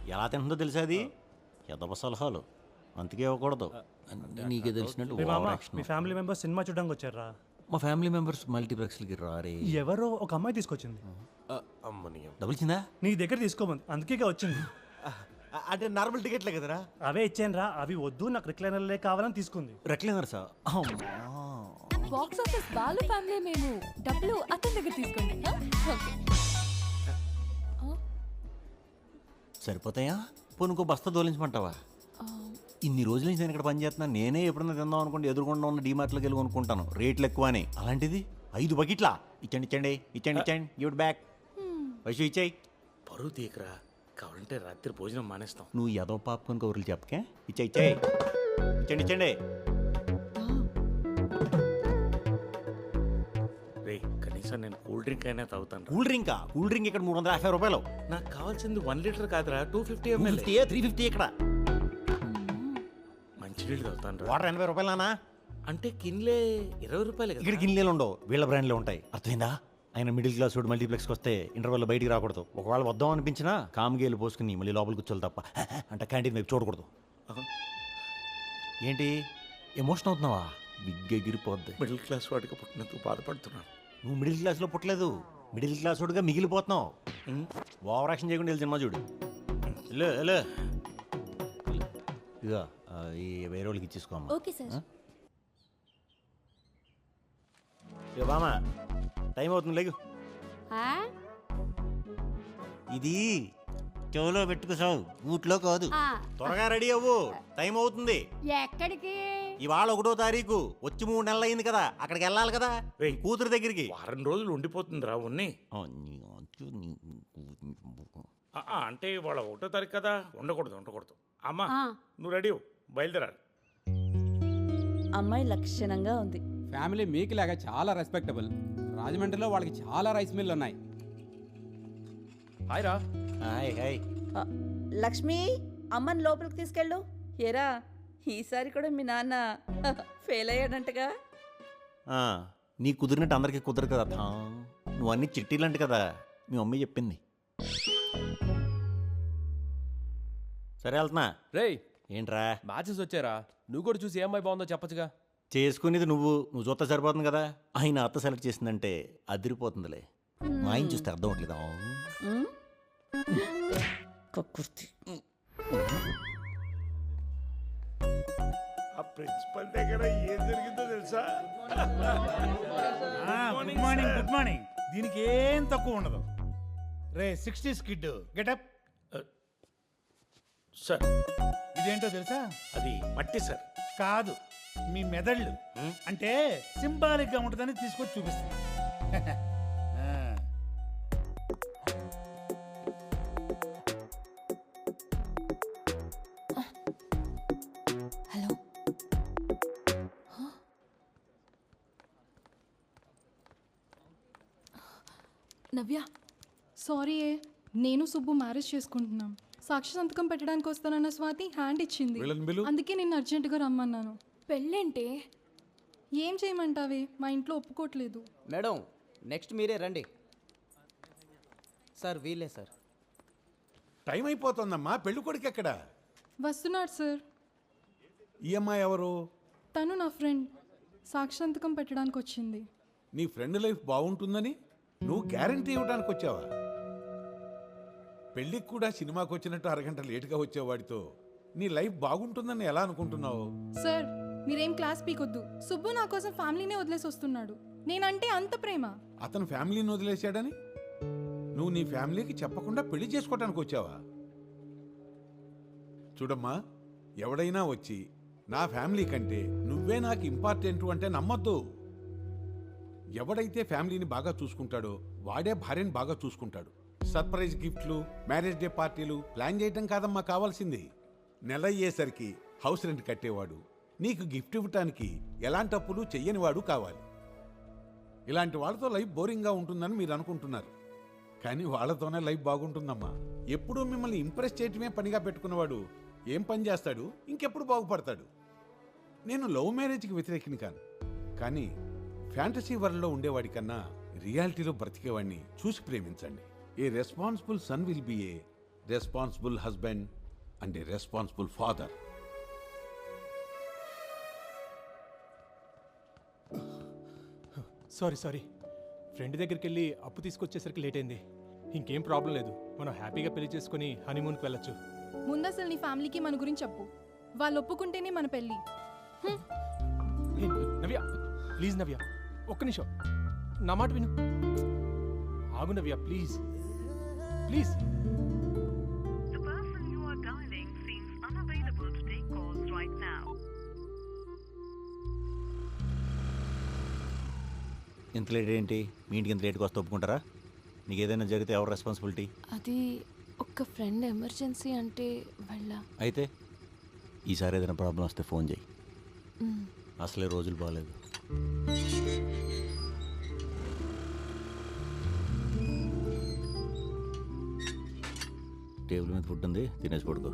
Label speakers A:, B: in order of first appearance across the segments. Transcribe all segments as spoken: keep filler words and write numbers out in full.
A: ఎలా తింటుందో తెలుసా అది ఎదవ సలహాలు అందుకే ఇవ్వకూడదు. నీకే తెలిసినట్టు
B: మీ ఫ్యామిలీ మెంబర్స్ సినిమా చూడడానికి వచ్చారా?
A: మా ఫ్యామిలీ మెంబర్స్ మల్టీప్లెక్స్లకి రారే.
B: ఎవరో ఒక అమ్మాయి తీసుకొచ్చింది.
A: డబ్బులు ఇచ్చిందా?
B: నీ దగ్గర తీసుకోమంది అందుకే వచ్చింది.
C: అంటే నార్మల్ టికెట్లే కదరా?
B: అవే ఇచ్చాను రా. అవి వద్దు నాకు రిక్లైనర్లే కావాలని తీసుకుంది.
A: Recliner sir.
D: Box office Balu family మేము డబ్బులు అతని దగ్గర తీసుకోండి. ఓకే
A: సరిపోతాయా? పోనీ ఇంకో బస్తా దోలించమంటావా? ఇన్ని రోజుల నుంచి నేను ఇక్కడ పని చేస్తున్నా. నేనే ఎప్పుడన్నా తిందాం అనుకుంటే ఎదురుకుండా ఉన్న డీమార్ట్లోకి వెళ్ళి కొనుక్కుంటాను, రేట్లు ఎక్కువ అని. అలాంటిది ఐదు బకెట్లా? ఇచ్చండి ఇచ్చండి ఇచ్చండి ఇచ్చండి గివ్ బ్యాక్. వైషు ఇచ్చాయి.
C: పరువు తీయకరా, కావాలంటే రాత్రి భోజనం మానేస్తాం.
A: నువ్వు ఏదో పాపకొని కౌరులు చెప్పకే. ఇచ్చా ఇచ్చాయి ఇచ్చండి ఇచ్చండి.
C: రే కనీసం నేను కూల్ డ్రింక్ అయినా తాగుతాను.
A: కూల్ డ్రింకా? కూల్ డ్రింక్ ఇక్కడ మూడు వందల యాభై రూపాయలు.
C: నాకు కావాల్సింది వన్ లీటర్ కాదురా, two fifty ML.
A: Three fifty ఇక్కడ.
C: మంచినీళ్ళు తాగుతాను.
A: వాటర్ ఎనభై రూపాయలనా?
C: అంటే కిన్లే ఇరవై రూపాయలు.
A: ఇక్కడ గిన్నెలు ఉండవు, వీళ్ళ బ్రాండ్లో ఉంటాయి. అర్థమైందా? ఆయన మిడిల్ క్లాస్ వాడు మల్టీప్లెక్స్కి వస్తే ఇంటర్వెల్ బయటికి రాకూడదు. ఒకవేళ వద్దాం అనిపించినా కామ్గేలు పోసుకుని మళ్ళీ లోపలికి కూర్చోవాలి తప్ప అంటే క్యాంటీన్ వైపు చూడకూడదు. ఏంటి ఎమోషన్ అవుతున్నావా? బిగ్ ఎగిరిపోద్ది.
C: మిడిల్ క్లాస్ వాడికి పుట్టినందుకు బాధపడుతున్నాను.
A: నువ్వు మిడిల్ క్లాస్లో పుట్టలేదు, మిడిల్ క్లాస్ వాడుగా మిగిలిపోతున్నావు. ఓవర్ యాక్షన్ చేయకుండా వెళ్ళి సినిమా చూడు. హలో హలో ఇక ఈ వేరే వాళ్ళకి ఇచ్చేసుకోమ్మా.
D: Okay sir.
A: ఇక బామా టైం అవుతుంది, లేకు. ఇది చెవులో పెట్టుకోసావు, ఊట్లో కాదు. త్వరగా రెడీ అవ్వు, టైం అవుతుంది.
D: ఎక్కడికి?
A: ఇవాళ ఒకటో తారీఖు, వచ్చి మూడు నెలలు అయింది కదా, అక్కడికి వెళ్ళాలి కదా కూతురు దగ్గరికి.
C: వారం రోజులు ఉండిపోతుందిరా ఉన్ని. అంటే వాళ్ళ ఒకటో తారీఖు కదా, ఉండకూడదు ఉండకూడదు. అమ్మా నువ్వు రెడీ బయలుదేరాలి.
E: అమ్మాయి లక్షణంగా ఉంది.
F: ఫ్యామిలీ మీకు లాగా చాలా రెస్పెక్టబుల్. రాజమండ్రిలో వాళ్ళకి చాలా రైస్ మిల్లు ఉన్నాయి.
C: హాయ్ రా.
A: Hi hi.
E: ఆ, లక్ష్మి అమ్మని లోపలికి తీసుకెళ్ళు. ఏరా ఈసారి కూడా మీ నాన్న ఫెయిల్ అయ్యాడంటగా.
A: నీ కుదిరినట్టు అందరికీ కుదరదు కదా. నువ్వు అన్ని చిట్టీలంట కదా, మీ మమ్మీ చెప్పింది. సరే వెళ్తున్నా.
G: రేయ్
A: ఏంట్రా
G: మ్యాచెస్ వచ్చారా? నువ్వు కూడా చూసి ఏ అమ్మాయి బాగుందో చెప్పచ్చుగా.
A: చేసుకునేది నువ్వు నువ్వు చూస్తే సరిపోతుంది కదా. ఆయన అత్త సెలెక్ట్ చేసిందంటే అదిరిపోతుందిలే. మా ఆయన చూస్తే అర్థం అవట్లేదా?
E: కక్కుర్తి.
C: ఆ ప్రిన్సిపల్ దగ్గర ఏం జరిగిందో తెలుసా?
H: Good morning good morning. దీనికి ఏం తక్కువ ఉండదు. రే సిక్స్టీస్ కిడ్ గెటప్.
C: సార్
H: ఇదేంటో తెలుసా?
C: అది మట్టి సార్.
H: కాదు, మీ మెదళ్ళు. అంటే సింబాలిక్ గా ఉంటుందని తీసుకొచ్చి చూపిస్తుంది.
D: హలో
I: నవ్య, సారీ ఏ నేను సుబ్బు మ్యారేజ్ చేసుకుంటున్నాం. సాక్షి సంతకం పెట్టడానికి వస్తానన్న స్వాతి హ్యాండ్ ఇచ్చింది, అందుకే నేను అర్జెంటుగా రమ్మన్నాను.
D: పెళ్ళేంటే?
I: ఏం చేయమంటావే, మా ఇంట్లో ఒప్పుకోవట్లేదు.
J: మేడం నెక్స్ట్ మీరే రండి. సార్ వీలే సార్.
H: టైం అయిపోతుందమ్మా. పెళ్లి కొడుకు ఎక్కడ?
I: వస్తున్నాడు సార్.
H: ఈఎంఐ ఎవరు?
I: తను నా ఫ్రెండ్. సాక్షి సంతకం పెట్టడానికి వచ్చింది.
H: నీ ఫ్రెండ్ లైఫ్ బాగుంటుందని నువ్వు గ్యారంటీ ఇవ్వడానికి వచ్చావా? పెళ్ళికి కూడా సినిమాకి వచ్చినట్టు అరగంట లేటుగా వచ్చేవాడితో నీ లైఫ్ బాగుంటుందని ఎలా అనుకుంటున్నావు?
I: సార్ మీరేం క్లాస్ పీకొద్దు. సుబ్బు నా కోసం ఫ్యామిలీనే వదిలేసి వస్తున్నాడు. నేనంటే అంత ప్రేమ.
H: అతను ఫ్యామిలీని వదిలేశాడని నువ్వు నీ ఫ్యామిలీకి చెప్పకుండా పెళ్లి చేసుకోవటానికి వచ్చావా? చూడమ్మా, ఎవడైనా వచ్చి నా ఫ్యామిలీ కంటే నువ్వే నాకు ఇంపార్టెంట్ అంటే నమ్మొద్దు. ఎవడైతే ఫ్యామిలీని బాగా చూసుకుంటాడో వాడే భార్యని బాగా చూసుకుంటాడు. సర్ప్రైజ్ గిఫ్ట్లు, మ్యారేజ్ డే పార్టీలు ప్లాన్ చేయటం కాదమ్మా కావాల్సింది. నెల అయ్యేసరికి హౌస్ రెంట్ కట్టేవాడు, నీకు గిఫ్ట్ ఇవ్వటానికి ఎలాంటి అప్పులు చెయ్యనివాడు కావాలి. ఇలాంటి వాళ్ళతో లైఫ్ బోరింగ్గా ఉంటుందని మీరు అనుకుంటున్నారు, కానీ వాళ్ళతోనే లైఫ్ బాగుంటుందమ్మా. ఎప్పుడూ మిమ్మల్ని ఇంప్రెస్ చేయటమే పనిగా పెట్టుకున్నవాడు ఏం పని చేస్తాడు, ఇంకెప్పుడు బాగుపడతాడు? నేను లవ్ మ్యారేజ్కి వ్యతిరేకిని కాను, కానీ ఫ్యాంటసీ వరల్డ్లో ఉండేవాడి కన్నా రియాలిటీలో బ్రతికేవాడిని చూసి ప్రేమించండి. A responsible son will be a responsible husband and a responsible father.
K: Sorry sorry friend దగ్గరికి వెళ్ళి అప్పు తీసుకొచ్చేసరికి లేట్ అయింది. ఇంకేం ప్రాబ్లం లేదు, మనం హ్యాపీగా పెళ్లి చేసుకుని హనీమూన్కి వెళ్ళొచ్చు.
I: ముందు అసలు నీ ఫ్యామిలీకి మన గురించి చెప్పు. వాళ్ళు ఒప్పుకుంటేనే మన పెళ్ళి. హ్మ్.
K: ఏ, నవ్య ప్లీజ్ నవ్య ఒక్క నిమిషం నా మాట విను. ఆగు నవ్య ప్లీజ్ ప్లీజ్.
A: ఇంత లేట్ ఏంటి? మీ ఇంటికి ఇంత లేట్గా వస్తే ఒప్పుకుంటారా? నీకు ఏదైనా జరిగితే ఎవరు రెస్పాన్సిబిలిటీ?
D: అది ఒక ఫ్రెండ్ ఎమర్జెన్సీ అంటే వెళ్ళా.
A: అయితే ఈసారి ఏదైనా ప్రాబ్లం వస్తే ఫోన్ చేయి. అసలే రోజులు బాగాలేదు. టేబుల్ మీద ఫుడ్ ఉంది, తినేసి పడుకో.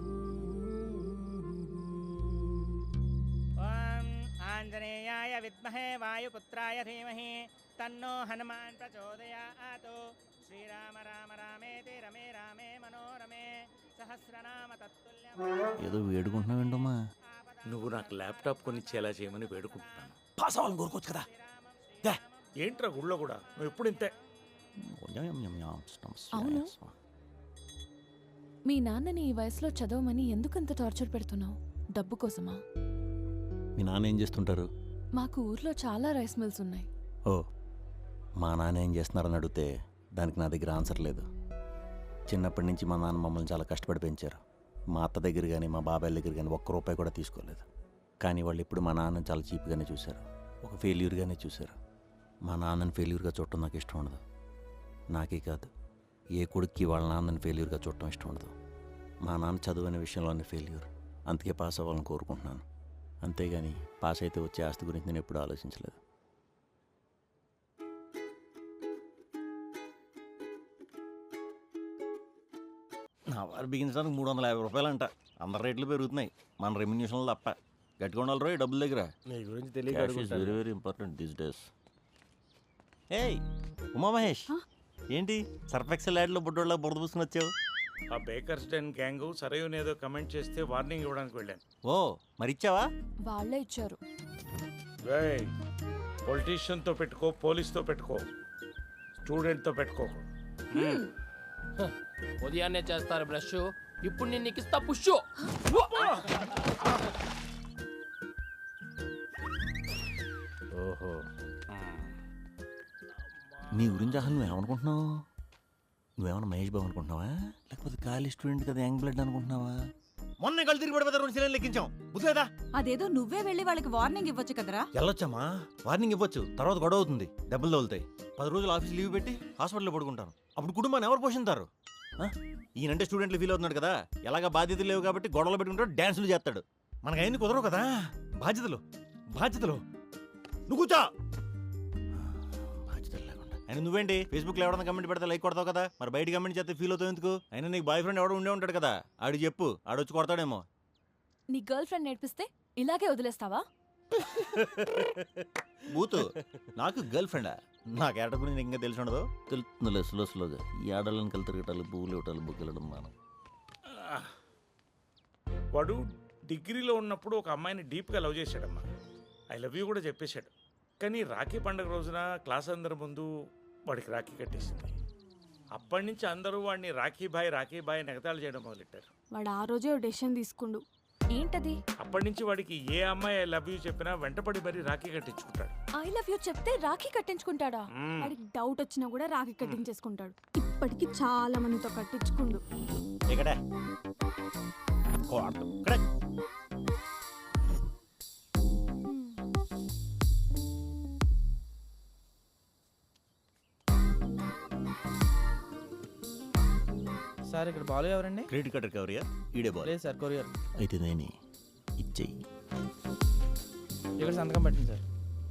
J: ఆంజనేయాయ విద్మహే వాయుపుత్రాయ ధీమహి తన్నో హనుమాన్ ప్రచోదయాత్. శ్రీరామ రామ రామేతి రమే రామే మనోరమే సహస్రనామ తత్తుల్యం.
A: ఏదో వేడుకుంటున్నావేంటమ్మా?
C: నువ్వు నాకు ల్యాప్టాప్ కొనిచ్చేలా చేయమని వేడుకుంటున్నాను.
A: పాస్ అవ్వాలని కోరుకోవచ్చు కదా.
C: ఏంట్రా గుళ్ళో కూడా నువ్వు ఎప్పుడు ఇంతే.
D: అవును, మీ నాన్నని ఈ వయసులో చదవమని ఎందుకంత టార్చర్ పెడుతున్నావు? డబ్బు కోసమా?
A: మీ నాన్న ఏం చేస్తుంటారు?
D: మాకు ఊర్లో చాలా రైస్ మిల్స్ ఉన్నాయి.
A: ఓ, మా నాన్న ఏం చేస్తున్నారని అడిగితే దానికి నా దగ్గర ఆన్సర్ లేదు. చిన్నప్పటి నుంచి మా నాన్న మమ్మల్ని చాలా కష్టపడి పెంచారు. మా అత్త దగ్గర కానీ మా బాబాయ్ దగ్గర కానీ ఒక్క రూపాయి కూడా తీసుకోలేదు. కానీ వాళ్ళు ఇప్పుడు మా నాన్నని చాలా చీప్గానే చూశారు, ఒక ఫెయిల్యూర్గానే చూశారు. మా నాన్నని ఫెయిల్యూర్గా చూడటం నాకు ఇష్టం ఉండదు. నాకే కాదు, ఏ కొడుక్కి వాళ్ళ నాన్నని ఫెయిల్యూర్గా చూడటం ఇష్టం ఉండదు. మా నాన్న చదువు అనే విషయంలోనే ఫెయిల్యూర్, అందుకే పాస్ అవ్వాలని కోరుకుంటున్నాను. అంతేగాని పాస్ అయితే వచ్చే ఆస్తి గురించి నేను ఎప్పుడూ ఆలోచించలేదు. నా వారు బిగించడానికి మూడు వందల యాభై రూపాయలు అంట. అందరి రేట్లు పెరుగుతున్నాయి, మన రెమ్యూనేషన్లు తప్ప. గట్టిగా ఉండాలి రోయ్ డబ్బుల దగ్గర.
G: నీ గురించి తెలియదు.
A: Very very important these days. ఏయ్ ఉమా మహేష్, ఏంటి సర్ఫెక్సెల్ యాడ్లో బుడ్డోళ్ళ బురద పూసుకుని వచ్చావు?
C: ఆ బేకర్స్ డెన్ గ్యాంగ్ సరైన ఏదో కమెంట్ చేస్తే వార్నింగ్ ఇవ్వడానికి వెళ్ళాను.
A: ఓ, మరి ఇచ్చావా?
D: వాళ్ళే ఇచ్చారు.
C: పొలిటీషియన్తో పెట్టుకో, పోలీస్తో పెట్టుకో, స్టూడెంట్తో పెట్టుకో.
G: ఉదయాన్నే చేస్తారు బ్రష్, ఇప్పుడు నేను నీకు ఇస్తా పుష్.
A: ఓహో, నీ గురించి అసలు నువ్వేమనుకుంటున్నావు? నువ్వేమన్నా మహేష్ బాబు అనుకుంటున్నావా, లేకపోతే కాలేజ్ స్టూడెంట్ కదా యంగ్ బ్లడ్ అనుకుంటున్నావా? మొన్న కళ్ళు తిరిగి పడిపోతే రెండు సిలిండర్లు లెక్కించాం, బుద్ధేదా?
E: అదేదో నువ్వే వెళ్ళి వాళ్ళకి వార్నింగ్ ఇవ్వచ్చు కదరా.
A: వెళ్ళొచ్చమ్మా, వార్నింగ్ ఇవ్వచ్చు, తర్వాత గొడవ అవుతుంది, డబ్బులు తగులుతాయి. పది రోజులు ఆఫీస్ లీవ్ పెట్టి హాస్పిటల్లో పడుకుంటాను. అప్పుడు కుటుంబాన్ని ఎవరు పోషింటారు? ఈయనంటే స్టూడెంట్లు ఫీల్ అవుతున్నాడు కదా, ఎలాగా బాధ్యతలు లేవు కాబట్టి గొడవలు పెట్టుకుంటాడు, డ్యాన్సులు చేస్తాడు. మనకు అయింది కుదరవు కదా. బాధ్యతలు బాధ్యతలు నువ్వు కూర్చో. బాధ్యతలు లేకుండా అయినా నువ్వేంటి ఫేస్బుక్లో ఎవడన్నా కమెంట్ పెడితే లైక్ కొడతావు కదా, మరి బయట కమెంట్ చేస్తే ఫీల్ అవుతావు ఎందుకు? అయినా నీకు బాయ్ ఫ్రెండ్ ఎవడో ఉండే ఉంటాడు కదా, ఆడికి చెప్పు, ఆడొచ్చి కొడతాడేమో.
D: నీ గర్ల్ ఫ్రెండ్ నేర్పిస్తే ఇలాగే వదిలేస్తావా?
A: బూతు, నాకు గర్ల్ ఫ్రెండా? నా క్యారెక్టర్ గురించి నీకు ఇంకా తెలిసి ఉండదు. తెలుస్తుందిలే స్లో స్లోగా. ఈ ఆడలను కలిసి తిరగటాలు, పువ్వులు ఇవ్వటాలు, బుగ్గలడం మనం.
C: వాడు డిగ్రీలో ఉన్నప్పుడు ఒక అమ్మాయిని డీప్గా లవ్ చేశాడమ్మా. ఐ లవ్ యూ కూడా చెప్పేశాడు. కానీ రాఖీ పండుగ రోజున క్లాస్ అందరి ముందు వాడికి రాఖీ కట్టేసింది. అప్పటి నుంచి అందరూ వాడిని రాఖీ బాయ్ రాఖీ బాయ్ నెగతాళి చేయడం మొదలెట్టారు.
D: వాడు ఆ రోజే డెసిషన్ తీసుకుండు. ఏంటది?
C: అప్పటి నుంచి వాడికి ఏ అమ్మాయి ఐ లవ్ యూ చెప్పినా వెంటపడి మరీ రాఖీ కట్టించుకుంటాడు.
D: ఐ లవ్ యూ చెప్తే రాఖీ కట్టించుకుంటాడా?
I: వాడికి డౌట్ వచ్చినా కూడా రాఖీ కట్టించేసుకుంటాడు. ఇప్పటికి చాలా మందితో కట్టించుకుండు.
A: ఇక్కడ
J: సార్ ఇక్కడ బాలు ఎవరండి?
A: క్రెడిట్ కార్డ్ రికవరీయా? ఈడే బాల్.
J: లేదు సార్, కొరియర్.
A: అయితే నేను ఇచ్చేయి.
J: ఇక్కడ సంతకం పెట్టండి సార్.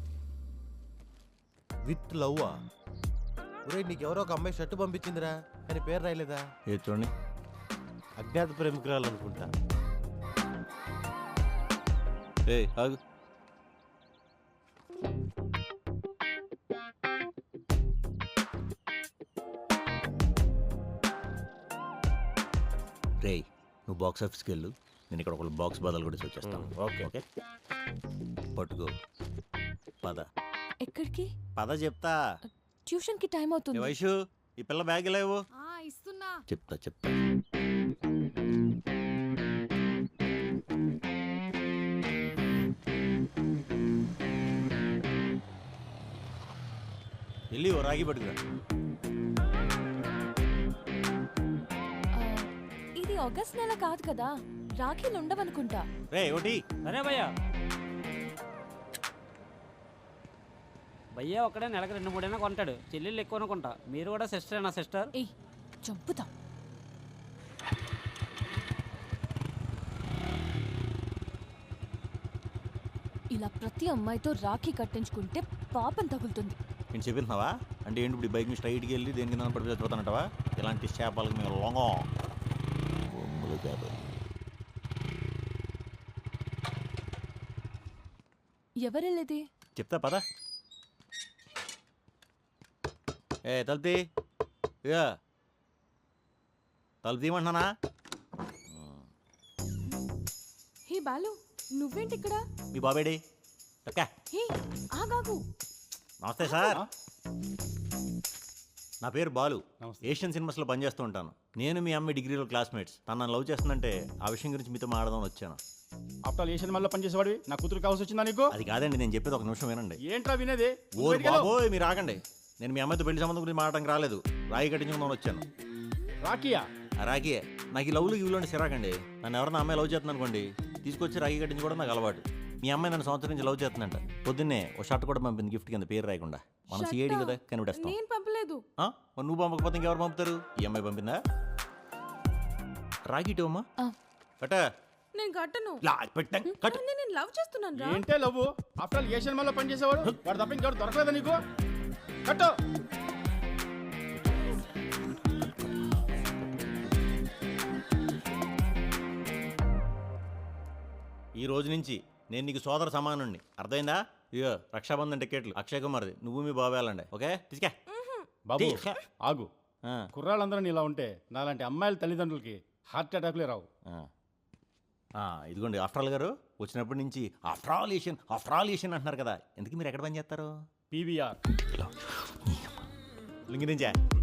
L: విత్ లవ్వా? ఒరే, నీకెవరో ఒక అమ్మాయి షర్టు పంపించిందిరా, కానీ పేరు రాయలేదా?
A: ఏ చూడండి,
L: అజ్ఞాత ప్రేమికురాలు అనుకుంటా.
A: ఏ ఆగు. రేయ్ నువ్వు బాక్స్ ఆఫీస్కి వెళ్ళు, నేను ఇక్కడ ఒక బాక్స్ బదులు కూడా వచ్చేస్తాను. ఓకే ఓకే పట్టుకో. పద.
D: ఎక్కడికి?
A: పద చెప్తా.
D: ట్యూషన్ కి టైం
A: ఏ
D: అవుతుంది.
A: వైషు ఈ పిల్ల బ్యాగ్ లేవు.
I: ఇస్తున్నా.
A: చెప్తా చెప్తా. వెళ్ళి ఓ రాగి పట్టుకురా.
D: ఆ, ఇది ఆగస్ట్ నెల కాదు కదా, రాఖీలు ఉండవనుకుంటా.
A: రే ఒకటి.
J: అరే భయ్యా భయ్యా ఒక్కడే నెలకు రెండు మూడైనా కొంటాడు, చెల్లెళ్ళు ఎక్కువ కొంటా. మీరు కూడా సిస్టరేనా సిస్టర్?
D: ఏయ్ చంపుతా. ఇలా ప్రతి అమ్మాయితో రాఖీ కట్టించుకుంటే పాపం తగులుతుంది.
A: నేను చెప్తున్నావా అంటే ఏంటి? ఇప్పుడు ఈ బైక్ మీద స్ట్రైట్కి వెళ్ళి దేని కింద పడిపోయి చచ్చిపోతానంటావా? ఇలాంటి చేపలకు మేము లొంగం బొమ్మలు కాదు.
D: ఎవరెళ్ళేది?
A: చెప్తా పద. ఏ తలుపుతీ. ఇక తలుపు తీయమంటున్నానా?
D: హే బాలు, నువ్వేంటి ఇక్కడ?
A: మీ బాబేడి అక్క.
D: హే ఆగాగు.
A: నమస్తే సార్, నా పేరు బాలు. ఏషియన్ సినిమాస్లో పనిచేస్తూ ఉంటాను. నేను మీ అమ్మాయి డిగ్రీలో క్లాస్మేట్స్. తను నన్ను లవ్ చేస్తుందంటే ఆ విషయం గురించి మీతో మాట్లాడదామని వచ్చాను.
K: ఆఫ్టర్ ఏ సినిమాలో పనిచేసేవాడివి నా కూతురు కావాల్సి వచ్చిందా నీకు?
A: అది కాదండి, నేను చెప్పేది ఒక నిమిషం వినండి.
K: ఏంట్రా వినేది?
A: ఓ బాబోయ్ మీరు ఆగండి. నేను మీ అమ్మాయితో పెళ్లి సంబంధం గురించి మాట్లాడడానికి రాలేదు, రాయి కట్టించుకుందామని వచ్చాను.
K: రాకియా?
A: ఆ రాఖీ నాకు ఈ లవ్లు ఇవ్వలోండి సిరాకండి. నన్ను ఎవరైనా అమ్మాయి లవ్ చేస్తుంది అనుకోండి, తీసుకొచ్చి రాఖీ కట్టించుకోవడం నాకు అలవాటు. మీ అమ్మాయి నన్ను సంవత్సరం నుంచి లవ్ చేస్తుందంట. పొద్దున్నే ఓ షర్ట్ కూడా పంపింది గిఫ్ట్ కింద, పేరు రాయకుండా. మనం సిఐడి కదా కనిపెట్టేస్తాం.
D: నేను పంపలేదు.
A: ఆ? మరి నువ్వు పంపకపోతే ఇంకెవరు పంపుతారు? ఈ అమ్మాయి పంపిందా? రాఖీ ఇటు అమ్మా. కట్ట.
D: నేను కట్టను.
A: కట్ట.
D: నేను లవ్ చేస్తున్నాను రా.
K: ఏంటే లవ్? ఆఫ్టర్ ఏ సినిమాలో పనిచేసేవాడు వాడు తప్ప ఇంకెవరు దొరకలేదా నీకు? కట్టు.
A: ఈ రోజు నుంచి నేను నీకు సోదర సమానుణ్ణి, అర్థమైందా? ఇయో రక్షాబంధన్ టికెట్లు అక్షయ్ కుమార్ది, నువ్వు మీ బాబు వెళ్ళండి. ఓకే తీసుకా.
K: బాబు ఆగు. కుర్రాళ్ళందరూ ఇలా ఉంటే నాలాంటి అమ్మాయిల తల్లిదండ్రులకి హార్ట్ అటాక్లే రావు.
A: ఇదిగోండి ఆఫ్టర్ ఆల్ గారు వచ్చినప్పటి నుంచి after all Asian after all Asian అంటున్నారు కదా, ఎందుకు మీరు ఎక్కడ పని చేస్తారు?
K: పీవీఆర్
A: లింగి నుంచా?